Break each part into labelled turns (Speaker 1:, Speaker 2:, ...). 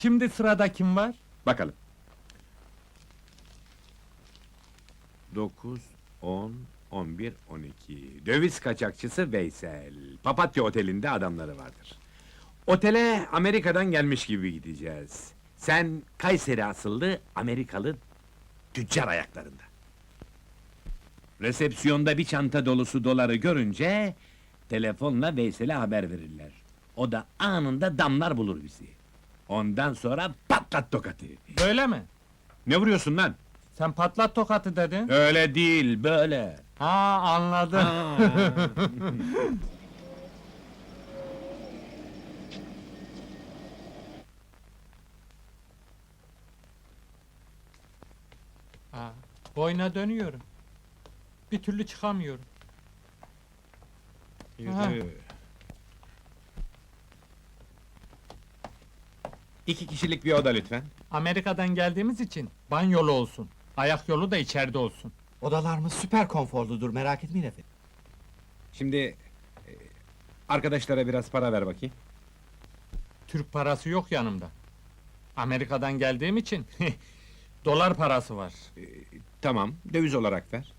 Speaker 1: Şimdi sırada kim var?
Speaker 2: Bakalım. 9, 10, 11, 12. Döviz kaçakçısı Veysel. Papatya Oteli'nde adamları vardır. Otele Amerika'dan gelmiş gibi gideceğiz. Sen Kayseri asıllı Amerikalı tüccar ayaklarında. Resepsiyonda bir çanta dolusu doları görünce telefonla Veysel'e haber verirler. O da anında damlar bulur bizi. Ondan sonra patlat tokatı.
Speaker 1: Böyle mi?
Speaker 2: Ne vuruyorsun lan?
Speaker 1: Sen patlat tokatı dedin.
Speaker 2: Öyle değil, böyle.
Speaker 1: Ha, anladım. Ha, boyuna dönüyorum. Bir türlü çıkamıyorum. Ha.
Speaker 2: Yürü. 2 kişilik bir oda lütfen.
Speaker 1: Amerika'dan geldiğimiz için banyolu olsun. Ayak yolu da içeride olsun.
Speaker 3: Odalarımız süper konforludur, merak etmeyin efendim.
Speaker 2: Şimdi arkadaşlara biraz para ver bakayım.
Speaker 1: Türk parası yok yanımda. Amerika'dan geldiğim için dolar parası var.
Speaker 2: Tamam, döviz olarak ver.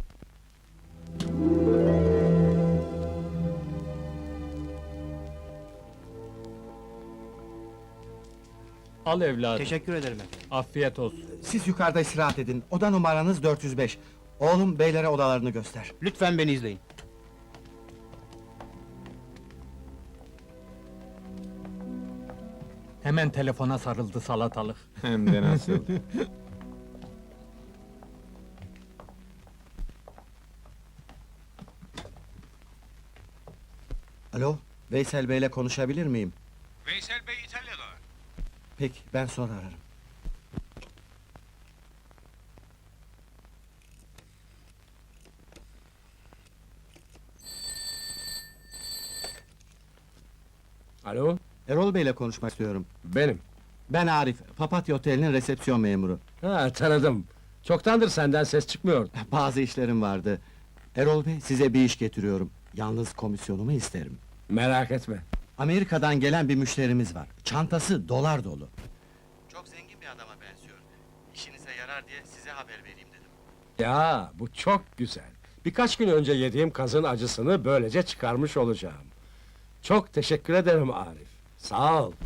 Speaker 1: Al evladım.
Speaker 3: Teşekkür ederim efendim.
Speaker 1: Afiyet olsun.
Speaker 3: Siz yukarıda istirahat edin, oda numaranız 405. Oğlum, beylere odalarını göster.
Speaker 4: Lütfen beni izleyin.
Speaker 1: Hemen telefona sarıldı salatalık.
Speaker 2: Hem de nasıl?
Speaker 3: Alo, Veysel Bey'le konuşabilir miyim?
Speaker 2: Veysel Bey İtalya'da.
Speaker 3: Peki, ben sonra ararım.
Speaker 4: Alo,
Speaker 3: Erol Bey'le konuşmak istiyorum.
Speaker 4: benim.
Speaker 3: Ben Arif, Papatya Oteli'nin resepsiyon memuru.
Speaker 4: Ha, tanıdım. Çoktandır senden ses çıkmıyordu.
Speaker 3: Bazı işlerim vardı. Erol Bey, size bir iş getiriyorum. Yalnız komisyonumu isterim.
Speaker 4: Merak etme.
Speaker 3: Amerika'dan gelen bir müşterimiz var. Çantası dolar dolu. Çok zengin bir adama benziyor. İşinize yarar diye size haber vereyim dedim.
Speaker 4: Ya, bu çok güzel. Birkaç gün önce yediğim kazın acısını böylece çıkarmış olacağım. Çok teşekkür ederim Arif. Sağ ol.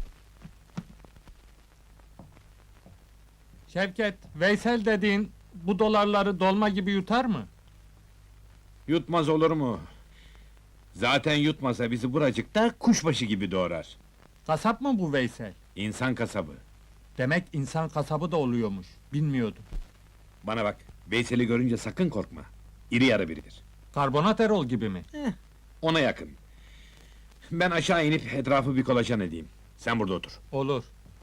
Speaker 1: Şevket, Veysel dediğin bu dolarları dolma gibi yutar mı?
Speaker 2: Yutmaz olur mu? Zaten yutmasa bizi buracıkta kuşbaşı gibi doğrar.
Speaker 1: Kasap mı bu Veysel?
Speaker 2: İnsan kasabı.
Speaker 1: Demek insan kasabı da oluyormuş. Bilmiyordum.
Speaker 2: Bana bak, Veysel'i görünce sakın korkma. İri yarı biridir.
Speaker 1: Karbonat Erol gibi mi?
Speaker 2: Ona yakın. Ben aşağı inip etrafı bir kolaçan edeyim. Sen burada otur.
Speaker 1: Olur.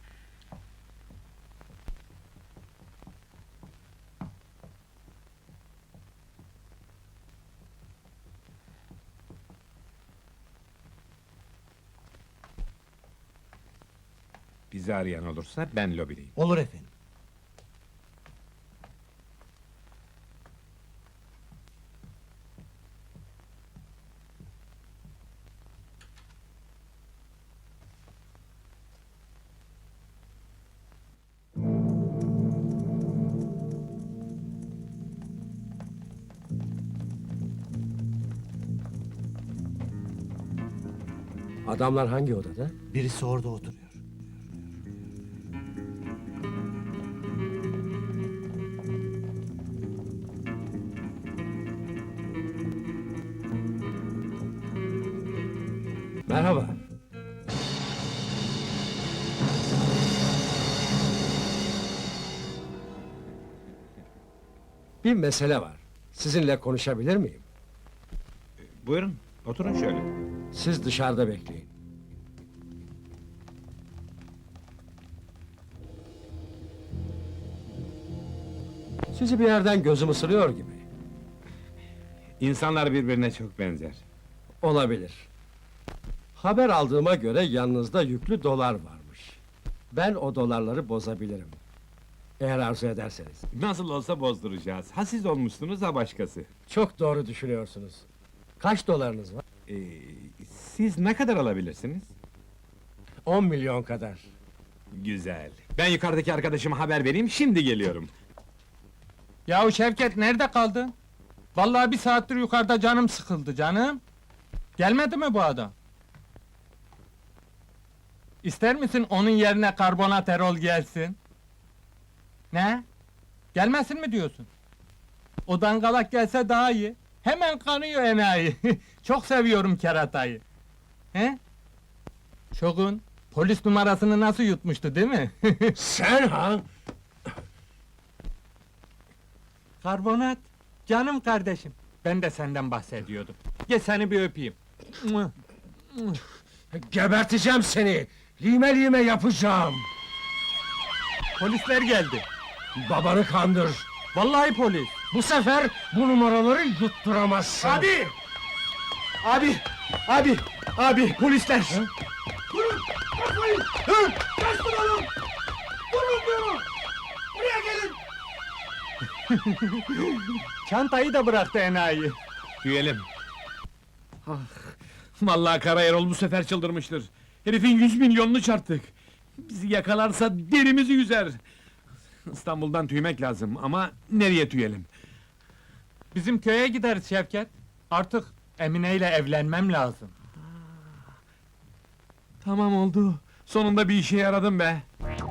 Speaker 2: Bizi arayan olursa ben lobideyim.
Speaker 3: Olur efendim.
Speaker 4: Adamlar hangi odada?
Speaker 3: Birisi orada oturuyor.
Speaker 4: Merhaba. Bir mesele var. Sizinle konuşabilir miyim?
Speaker 2: Buyurun, oturun şöyle.
Speaker 4: Siz dışarıda bekleyin. Sizi bir yerden gözüm ısırıyor gibi.
Speaker 2: İnsanlar birbirine çok benzer.
Speaker 4: Olabilir. Haber aldığıma göre yanınızda yüklü dolar varmış. Ben o dolarları bozabilirim. Eğer arzu ederseniz.
Speaker 2: Nasıl olsa bozduracağız. Ha siz olmuşsunuz ha başkası.
Speaker 4: Çok doğru düşünüyorsunuz. Kaç dolarınız var?
Speaker 2: Ee, siz ne kadar alabilirsiniz?
Speaker 4: 10 milyon kadar.
Speaker 2: Güzel. Ben yukarıdaki arkadaşıma haber vereyim, şimdi geliyorum.
Speaker 1: Yahu Şevket, nerede kaldın? Vallahi bir saattir yukarıda canım sıkıldı canım. Gelmedi mi bu adam? İster misin onun yerine karbonat Erol gelsin? Ne? Gelmesin mi diyorsun? O dangalak gelse daha iyi. Hemen kanıyor enayi. Çok seviyorum keratayı. He? Şogun, polis numarasını nasıl yutmuştu değil mi?
Speaker 4: Sen ha?
Speaker 1: Karbonat, canım kardeşim. Ben de senden bahsediyordum. Gel seni bir öpeyim.
Speaker 4: Geberteceğim seni! Lime lime yapacağım!
Speaker 1: Polisler geldi.
Speaker 4: Babanı kandır!
Speaker 1: Vallahi polis.
Speaker 4: Bu sefer bu numaraları yutturamazsın!
Speaker 1: Abi! Abi! Abi! Abi! Polisler!
Speaker 4: Durun! Kaçmayın! Hı! Kaçtım oğlum! Durun diyorum! Buraya gelin!
Speaker 1: Çantayı da bıraktı enayi.
Speaker 2: Tüyelim. Ah, vallahi Kara Erol bu sefer çıldırmıştır. Herifin 100 milyonunu çarptık. Bizi yakalarsa derimizi yüzer. İstanbul'dan tüymek lazım ama nereye tüyelim?
Speaker 1: Bizim köye gideriz Şevket. Artık Emine ile evlenmem lazım.
Speaker 2: Tamam oldu. Sonunda bir işe yaradım be.